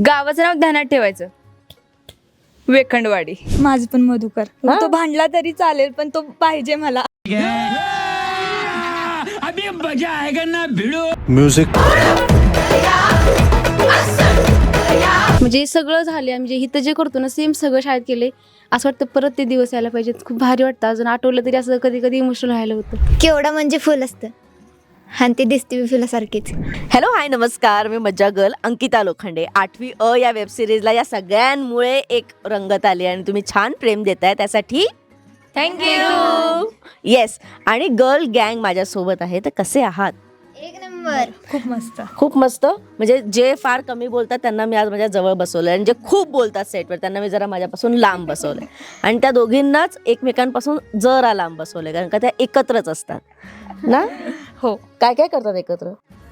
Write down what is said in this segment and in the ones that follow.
गावाचं नाव ध्यानात ठेवायचं, वेखंडवाडी. माझं पण मधुकर. हा? तो भांडला तरी चालेल पण तो पाहिजे मला. म्युझिक म्हणजे सगळं झाले, म्हणजे इथं जे करतो ना सेम सगळं शाळेत केले. असं वाटतं परत ते दिवस यायला पाहिजेत. खूप भारी वाटतं. अजून आठवलं तरी असं कधी कधी इमोशनल व्हायला होतं. केवढं म्हणजे फुल असतं आणि ती दिसते बी फुलासारखीच. हॅलो हाय नमस्कार, मी मज्जा गर्ल अंकिता लोखंडे. 8वी अ या वेबसिरीजला या सगळ्यांमुळे एक रंगत आली आणि तुम्ही छान प्रेम देताय त्यासाठी थँक्यू. येस, आणि गर्ल गँग माझ्यासोबत आहे. तर कसे आहात? एक नंबर. खूप मस्त. खूप मस्त. म्हणजे जे फार कमी बोलतात त्यांना मी आज माझ्या जवळ बसवलं आणि जे खूप बोलतात सेटवर त्यांना मी जरा माझ्यापासून लांब बसवलं आणि त्या दोघींनाच एकमेकांपासून जरा लांब बसवलं, कारण का त्या एकत्रच असतात ना. हो. काय काय करतात एकत्र?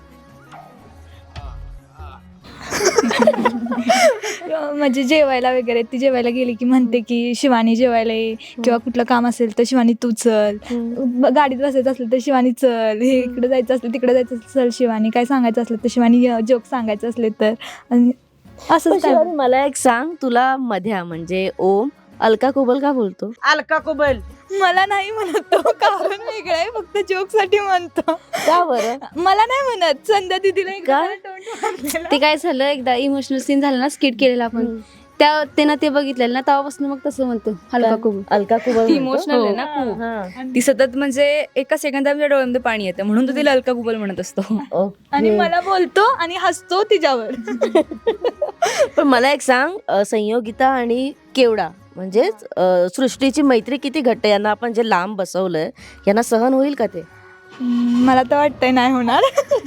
म्हणजे जेवायला वगैरे, ती जेवायला गेली की म्हणते की शिवानी जेवायला ये, किंवा कुठलं काम असेल तर शिवानी तू चल, गाडीत बसायचं असलं तर शिवानी चल, हे इकडे जायचं असलं तिकडे जायचं असलं चल शिवानी, काय सांगायचं असलं तर शिवानी जोक सांगायचं असले तर. आणि पण असंच काय. शिवानी, मला एक सांग, तुला मध्या म्हणजे ओम अलका कुबल का बोलतो? अलका कुबल मला नाही म्हणत तो, कारण वेगळं आहे, फक्त जोक साठी म्हणतो. का बरं? मला नाही म्हणत, संध्या दिदीला एकदा का? तोंड मारलेलं. ते काय झालं, एकदा इमोशनल सीन झालं ना स्किट केलेला आपण, त्या त्यानं ते बघितलेलं ना तेव्हापासून मग तसं म्हणतो हलका खूप. अलका कुबल ती इमोशनल आहे ना खूप. हा. ती सतत म्हणजे एका सेकंदात माझ्या डोळ्यामध्ये पाणी येतं, म्हणून तो तिला अलका कुबल म्हणत असतो. ओके. आणि मला बोलतो आणि हसतो तिच्यावर. पण मला एक सांग, संयोगिता आणि केवडा म्हणजेच सृष्टीची मैत्री किती घट्ट आहे. यांना आपण जे लांब बसवलंय यांना सहन होईल का ते? मला तर वाटतंय नाही होणार.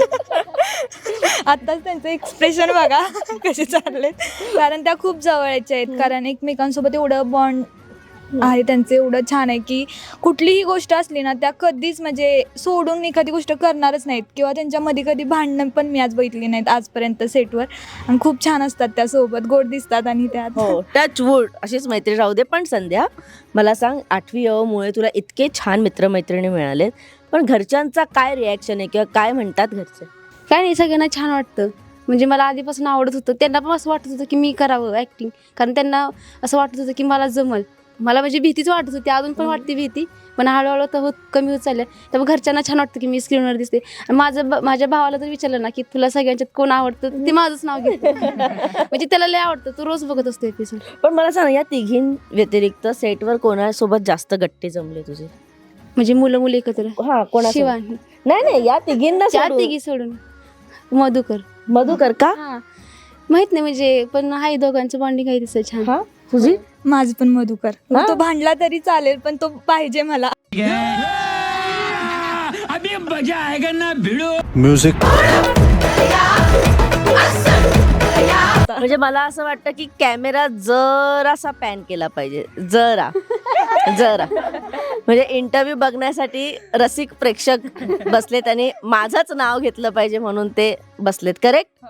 आताच त्यांचं एक्सप्रेशन बघा कसे चाललेत, कारण त्या खूप जवळच्या आहेत. कारण एकमेकांसोबत एवढं बॉन्ड आहे त्यांचं, एवढं छान आहे की कुठलीही गोष्ट असली ना त्या कधीच म्हणजे सोडून एखादी गोष्ट करणारच नाहीत, किंवा त्यांच्यामध्ये कधी भांडणं पण मी आज बघितली नाहीत आजपर्यंत सेटवर. आणि खूप छान असतात त्या, सोबत गोड दिसतात आणि त्यात हो, टच वूड अशीच मैत्री राहू दे. पण संध्या, मला सांग, 8वी अ मुळे तुला इतके छान मित्रमैत्रिणी मिळालेत, पण घरच्यांचा काय रिॲक्शन आहे किंवा काय म्हणतात घरचे? काय नाही, सगळ्यांना छान वाटतं. म्हणजे मला आधीपासून आवडत होतं, त्यांना पण असं वाटत होतं की मी करावं ॲक्टिंग, कारण त्यांना असं वाटत होतं की मला जमल. मला म्हणजे भीतीच वाटत होती, अजून पण वाटते भीती, पण हळूहळू तर कमी होत चालल्या. त्यामुळे घरच्यांना छान वाटतं की मी स्क्रीनवर दिसते. आणि माझ्या भावाला तर विचारलं ना की तुला सगळ्यांच्यात कोण आवडतं, ते माझंच नाव घेतं. म्हणजे त्याला लय आवडतं, तो रोज बघत असतो एपिसोड. पण मला सांग, या तिघीं व्यतिरिक्त सेटवर कोणासोबत जास्त गट्टे जमले तुझे? म्हणजे मुलं मुली एकत्र. हा, कोणा? शिवानी. नाही, या तिघींना त्या सोडून. तिघी सोडून मधुकर. मधुकर का? हा, माहित नाही, म्हणजे पण आहे, दोघांचं बॉन्डिंग आहे तसं छान. हा, तुझी? माझं पण मधुकर. हा? तो भांडला तरी चालेल पण तो पाहिजे मला. म्युझिक म्हणजे मला असं वाटतं की कॅमेरा जरासा पॅन केला पाहिजे, जरा म्हणजे इंटरव्ह्यू बघण्यासाठी रसिक प्रेक्षक बसलेत आणि माझंच नाव घेतलं पाहिजे म्हणून ते बसलेत. करेक्ट?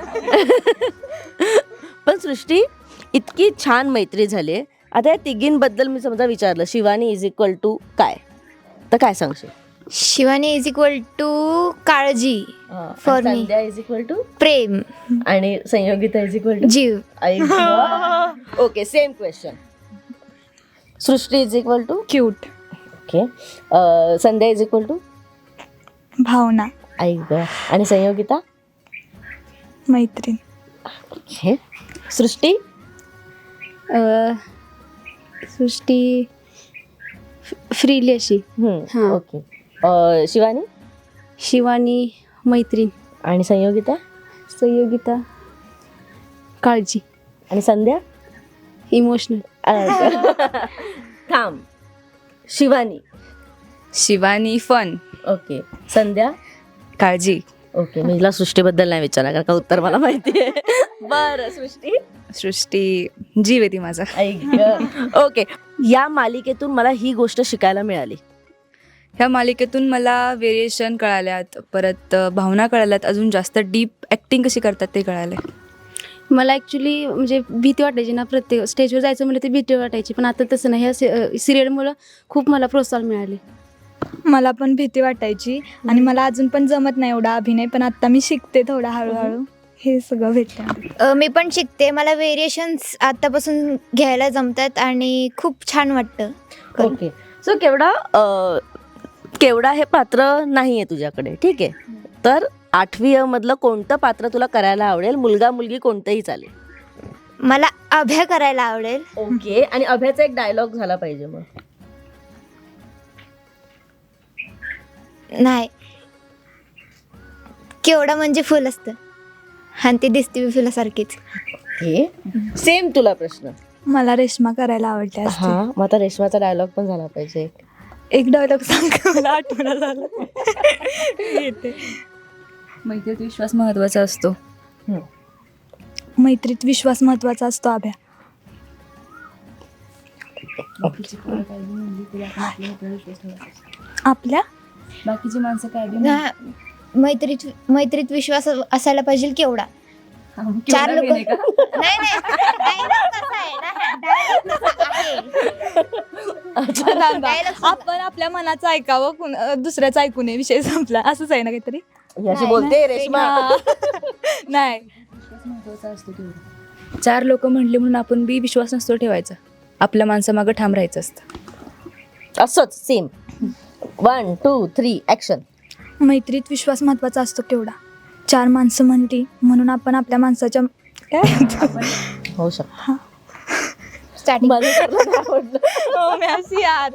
पण सृष्टी, इतकी छान मैत्री झाली. आता या तिघींबद्दल मी समजा विचारलं, शिवानी इज इक्वल टू काय, तर काय सांगशील? शिवानी इज इक्वल टू काळजी, For me. Sandhya is equal to प्रेम, आणि संयोगिता इज इक्वल टू जीव. Okay, same question. Srishti is equal to cute. Okay. Sandhya is equal to भावना. आई ग. आणि संयोगिता? मैत्रीण. ओके. सृष्टी? सृष्टी फ्रीली अशी. हा. ओके. शिवानी? शिवानी मैत्रीण. आणि संयोगिता? संयोगिता काळजी. आणि संध्या? इमोशनल. थांब. शिवानी? शिवानी फन. ओके. संध्या? काळजी. ओके. मी हिला सृष्टीबद्दल नाही विचारणार कारण का उत्तर मला माहिती आहे. बरं, सृष्टी? सृष्टी जीव आहे ती माझा. ऐक. ओके. या मालिकेतून मला ही गोष्ट शिकायला मिळाली. ह्या मालिकेतून मला व्हेरिएशन कळाल्यात, परत भावना कळाल्यात, अजून जास्त डीप ॲक्टिंग कशी करतात ते कळाले. मला ॲक्च्युली म्हणजे भीती वाटायची ना, प्रत्येक स्टेजवर जायचं म्हणजे ते भीती वाटायची, पण आता तसं नाही. ह्या सिरियलमुळं खूप मला प्रोत्साहन मिळाले. मला पण भीती वाटायची आणि मला अजून पण जमत नाही एवढा अभिनय, पण आता मी शिकते थोडा हळूहळू. हे सगळं भेटतं. मी पण शिकते. मला व्हेरिएशन्स आतापासून घ्यायला जमतात आणि खूप छान वाटतं. ओके. सो केवढा हे पात्र नाही आहे तुझ्याकडे, ठीक आहे. तर 8वी अ मधलं कोणतं पात्र तुला करायला आवडेल? मुलगा मुलगी कोणतंही चालेल. मला अभ्या करायला आवडेल. ओके. आणि अभ्याचा एक डायलॉग झाला पाहिजे मग. नाही, केवढं म्हणजे फुल असतं आणि ते दिसते फुलासारखीच. ओके. सेम तुला प्रश्न. मला रेश्मा करायला आवडते असते. हा, मग आता रेशमाचा डायलॉग पण झाला पाहिजे. एक डायलॉग सांग, मला आठवण झालं. येते. मैत्रीत विश्वास महत्वाचा असतो. मैत्रीत विश्वास महत्वाचा असतो अभ्या. आपल्या बाकीची माणसं काय बी हा, मैत्रीत विश्वास असायला पाहिजे केवढा. चार लोक नाही नाही, dialogue कसा आहे ना, dialogue कसा आहे. Dialogue आपण आपल्या मनाचं ऐकावं, दुसऱ्याचं ऐकू नये, विषय संपला, असंच आहे ना काहीतरी. याची बोलते रेशमा. नाही, महत्वाचा असतो तेवढं. 4 लोक म्हणले म्हणून आपण बी विश्वास नसतो ठेवायचा. आपल्या माणसामागं ठाम राहायचं असतं. असंच सेम. 1 2 3 ऍक्शन. मैत्रीत विश्वास महत्वाचा असतो केवढा. 4 माणसं म्हणली म्हणून आपण आपल्या माणसाच्या काय होऊ शकतो. starting. हो, मी अशी यार.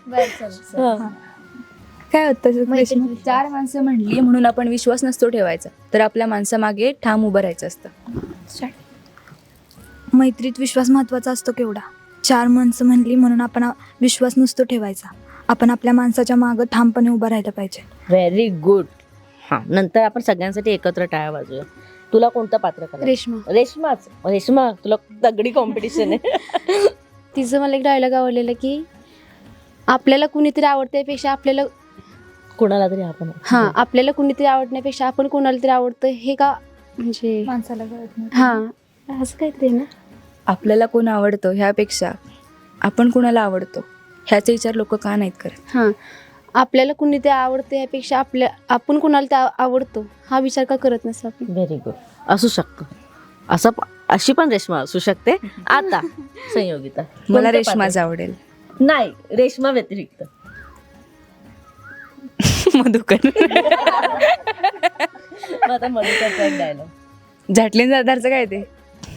काय होतं रेश्मा? 4 माणसं म्हणली म्हणून आपण विश्वास नसतो ठेवायचा. तर आपल्या माणसामागे ठाम उभं राहायचं असतं. मैत्रीत विश्वास महत्वाचा असतो केवढा. 4 माणसं म्हणली म्हणून आपण विश्वास नसतो ठेवायचा. आपण आपल्या माणसाच्या मागं ठामपणे उभं राहायला पाहिजे. Very good. हा, नंतर आपण सगळ्यांसाठी एकत्र टाळ्या वाजूया. तुला कोणतं पात्र करायचं? रेश्मा. रेशमाच. रेशमा, तुला तगडी कॉम्पिटिशन आहे. तिचं मला एक डायलॉग आवडलेला की आपल्याला कुणीतरी आवडण्यापेक्षा आपल्याला कोणाला तरी आपण. आपल्याला कुणीतरी आवडण्यापेक्षा आपण कोणाला तरी आवडतं हे का, म्हणजे माणसाला कळत नाही. हां असं काहीतरी ना. आपल्याला कोण आवडतं ह्यापेक्षा आपण कोणाला आवडतो ह्याचा विचार लोक का नाहीत करत. हां, आपल्याला कुणीतरी आवडतं ह्यापेक्षा आपण कोणाला आवडतो हा विचार का करत नसतो आपण. Very good. असू शकतो. अशी पण रेशमा असू शकते. आता संयोगिता. मला कोणतं रेशमाच पात्र? आवडेल. नाही, रेशमा व्यतिरिक्त. मधुकर. मग आता मधुकरचा एक डायलॉग. झाटलीन सरदारचं काय ते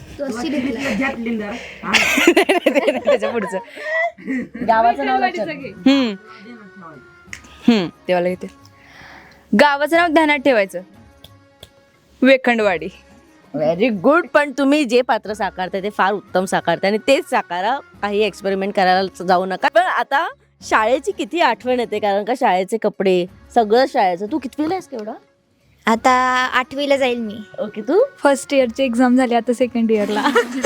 त्याच्या पुढचं गावाचं नाव लक्षात घे. तेव्हा घेते. गावाचं नाव ध्यानात ठेवायचं. वेखंडवाडी. Very good. पण तुम्ही जे पात्र साकारताय ते फार उत्तम साकारताय आणि तेच साकारा. काही एक्सपेरिमेंट करायला जाऊ नका. पण आता शाळेची किती आठवण येते, कारण का शाळेचे कपडे सगळं शाळेचं. तू कितवीला आहेस केवढा? आता 8वीला जाईल मी. ओके. तू फर्स्ट इयरची एक्झाम झाली, आता सेकंड इयरला.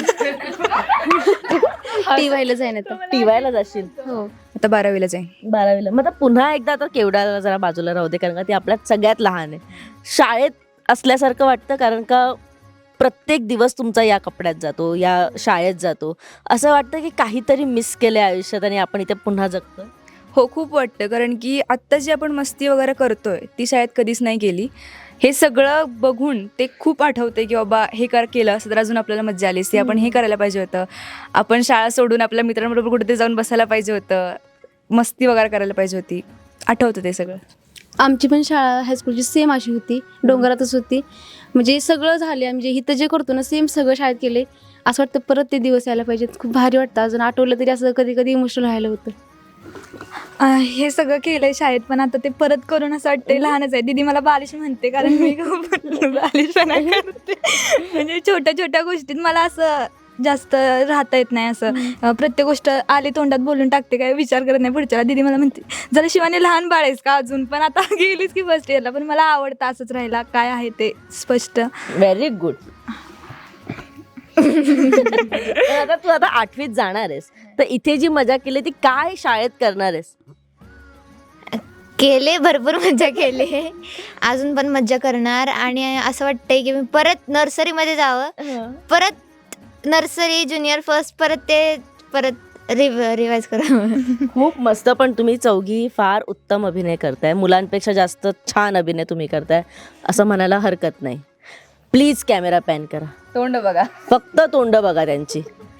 टी व्हायला जाईन आता. टीवायला जाशील? हो. आता 12वीला जाईन. 12वीला. मग आता पुन्हा एकदा आता केवढा जरा बाजूला राहू दे, कारण का ती आपल्यात सगळ्यात लहान आहे. शाळेत असल्यासारखं वाटतं, कारण का प्रत्येक दिवस तुमचा या कपड्यात जातो, या शाळेत जातो. असं वाटतं की काहीतरी मिस केलं आयुष्यात आणि आपण इथे पुन्हा जगतोय. हो, खूप वाटतं. कारण की आत्ता जी आपण मस्ती वगैरे करतोय ती शाळेत कधीच नाही केली. हे सगळं बघून ते खूप आठवते की बाबा हे केलं असं तर अजून आपल्याला मज्जा आली असती. आपण हे करायला पाहिजे होतं. आपण शाळा सोडून आपल्या मित्रांबरोबर कुठेतरी जाऊन बसायला पाहिजे होतं. मस्ती वगैरे करायला पाहिजे होती. आठवतं ते सगळं. आमची पण शाळा हायस्कूलची सेम अशी होती, डोंगरातच होती. म्हणजे सगळं झाले, म्हणजे इथं जे करतो ना सेम सगळं शाळेत केले. असं वाटतं परत ते दिवस यायला पाहिजेत. खूप भारी वाटतं. अजून आठवलं तरी असं कधी कधी इमोशनल व्हायला होतं. हे सगळं केलंय शाळेत, पण आता ते परत करून असं वाटतंय लहानच आहे. दीदी मला बालिश म्हणते, कारण मी खूप बालिशपणा करते. म्हणजे छोट्या छोट्या गोष्टीत मला असं जास्त राहता येत नाही. असं प्रत्येक गोष्ट आली तोंडात बोलून टाकते, काय विचार करत नाही पुढच्याला. दीदी मला म्हणते जरा शिवानी लहान बाळ आहेस का अजून, पण आता गेलीच की फर्स्ट इयरला. पण मला आवडतं असंच राहायला, काय आहे ते स्पष्ट. Very good. आता तू आता 8वीत जाणार आहेस, तर इथे जी मजा केली ती काय शाळेत करणार आहेस? केले, भरपूर मज्जा केली. अजून पण मज्जा करणार. आणि असं वाटतंय की मी परत नर्सरीमध्ये जावं, परत नर्सरी ज्युनियर फर्स्ट परत रिवाइज करावं. खूप मस्त. पण तुम्ही चौघी फार उत्तम अभिनय करताय. मुलांपेक्षा जास्त छान अभिनय तुम्ही करताय असं म्हणायला हरकत नाही. प्लीज कॅमेरा पॅन करा, तोंड बघा. फक्त तोंड बघा त्यांची.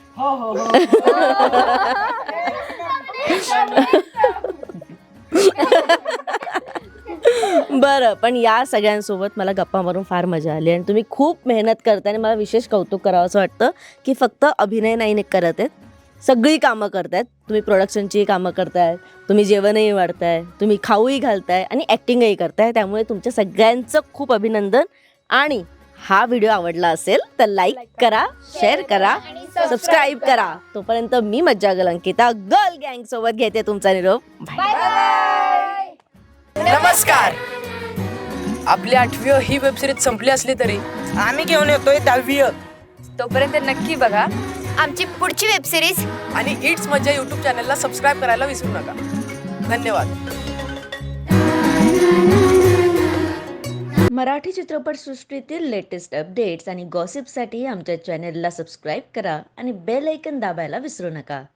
बरं, पण या सगळ्यांसोबत मला गप्पा मारून फार मजा आली आणि तुम्ही खूप मेहनत करताय आणि मला विशेष कौतुक करावं असं वाटतं की फक्त अभिनय नाही करत आहेत, सगळी कामं करतायत. तुम्ही प्रोडक्शनची कामं करताय, तुम्ही जेवणही वाढताय, तुम्ही खाऊही घालताय आणि ॲक्टिंगही करताय. त्यामुळे तुमच्या सगळ्यांचं खूप अभिनंदन. आणि हा व्हिडिओ आवडला असेल तर लाईक करा, शेअर करा, सबस्क्राईब करा. तोपर्यंत मी मज्जागल अंकिता गर्ल गँग सोबत घेते तुमचा निरोप. बाय. नमस्कार. आपली 8वी ही वेबसिरीज संपली असली तरी आम्ही घेऊन येतोय 10वी तोपर्यंत नक्की बघा आमची पुढची वेबसिरीज आणि इट्स मज्जा यूट्यूब चॅनलला सबस्क्राईब करायला विसरू नका. धन्यवाद. मराठी चित्रपटसृष्टीतील लेटेस्ट अपडेट्स आणि गॉसिपसाठी आमच्या चॅनेलला सबस्क्राईब करा आणि बेल ऐकन दाबायला विसरू नका.